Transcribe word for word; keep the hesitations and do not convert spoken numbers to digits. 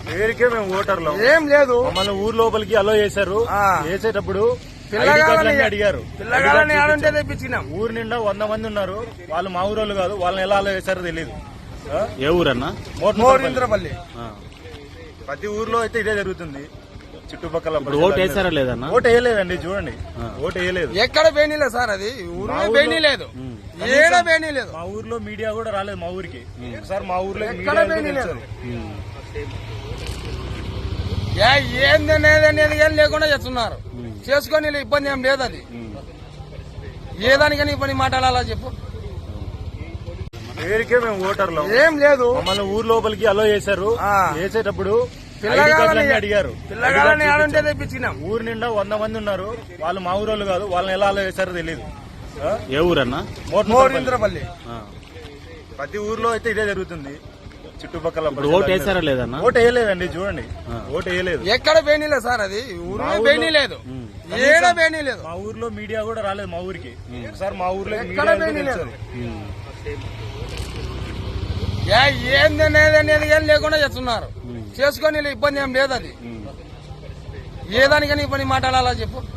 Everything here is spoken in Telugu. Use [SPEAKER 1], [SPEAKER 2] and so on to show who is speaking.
[SPEAKER 1] పేరుకే మేము ఓటర్లు
[SPEAKER 2] ఏం లేదు.
[SPEAKER 1] మమ్మల్ని ఊరు లోపలికి అలో చేశారు. వేసేటప్పుడు
[SPEAKER 2] పిల్లగాలని
[SPEAKER 1] అడిగారు.
[SPEAKER 2] పిల్లగాలని ఆడుంటే తెప్పించినాం.
[SPEAKER 1] ఊరు నిండా వంద మంది ఉన్నారు. వాళ్ళు మా ఊరోళ్ళు కాదు. వాళ్ళని ఎలా అలో చేశారో తెలియదు.
[SPEAKER 3] ఏ ఊరన్నా?
[SPEAKER 2] మోరింద్రపల్లి.
[SPEAKER 1] ప్రతి ఊర్లో అయితే ఇదే జరుగుతుంది. చుట్టుపక్కల
[SPEAKER 3] ఓటు వేసారా లేదన్నా?
[SPEAKER 1] ఓటు వేయలేదండి. చూడండి, ఓటు వేయలేదు.
[SPEAKER 2] ఎక్కడ బేనీ సార్, అది ఊర్లో బేనీ లేదు, ఏడ బేనీ లేదు.
[SPEAKER 1] మా ఊర్లో మీడియా కూడా రాలేదు మా ఊరికి. సార్ మా ఊర్లో
[SPEAKER 2] ఎక్కడ బేనీ లేదు. ఏంది అనేది ఏం లేకుండా చేస్తున్నారు. చేసుకొని ఇబ్బంది ఏం లేదు. అది ఏ దానికని ఇబ్బంది మాట్లాడాలా చెప్పు.
[SPEAKER 1] పేరుకే మేము ఓటర్లు
[SPEAKER 2] ఏం లేదు.
[SPEAKER 1] మమ్మల్ని ఊరు లోపలికి అలో చేశారు. వేసేటప్పుడు
[SPEAKER 2] పిల్లగాలని
[SPEAKER 1] అడిగారు.
[SPEAKER 2] పిల్లగాలని ఆడుంటే తెప్పించినాం.
[SPEAKER 1] ఊరు నిండా వంద మంది ఉన్నారు. వాళ్ళు మా ఊరోళ్ళు కాదు. వాళ్ళని ఎలా అలో చేశారో తెలియదు.
[SPEAKER 3] ఏ ఊరన్నా?
[SPEAKER 2] మోరింద్రపల్లి.
[SPEAKER 1] ప్రతి ఊర్లో అయితే ఇదే జరుగుతుంది. చుట్టుపక్కల
[SPEAKER 3] ఓటు వేసారా లేదన్నా?
[SPEAKER 1] ఓటు వేయలేదండి. చూడండి, ఓటు వేయలేదు.
[SPEAKER 2] ఎక్కడ బేనీ లేదు సార్, అది ఊర్లో బేనీ లేదు, ఏడ బేనీ లేదు.
[SPEAKER 1] మా ఊర్లో మీడియా కూడా రాలేదు మా ఊరికి. సార్ మా ఊర్లో
[SPEAKER 2] ఎక్కడ బేనీ లేదు. ఏంది అనేది ఏం లేకుండా చేస్తున్నారు. చేసుకొని ఇబ్బంది ఏం లేదు. అది ఏ దానికని ఇబ్బంది మాట్లాడాలా చెప్పు.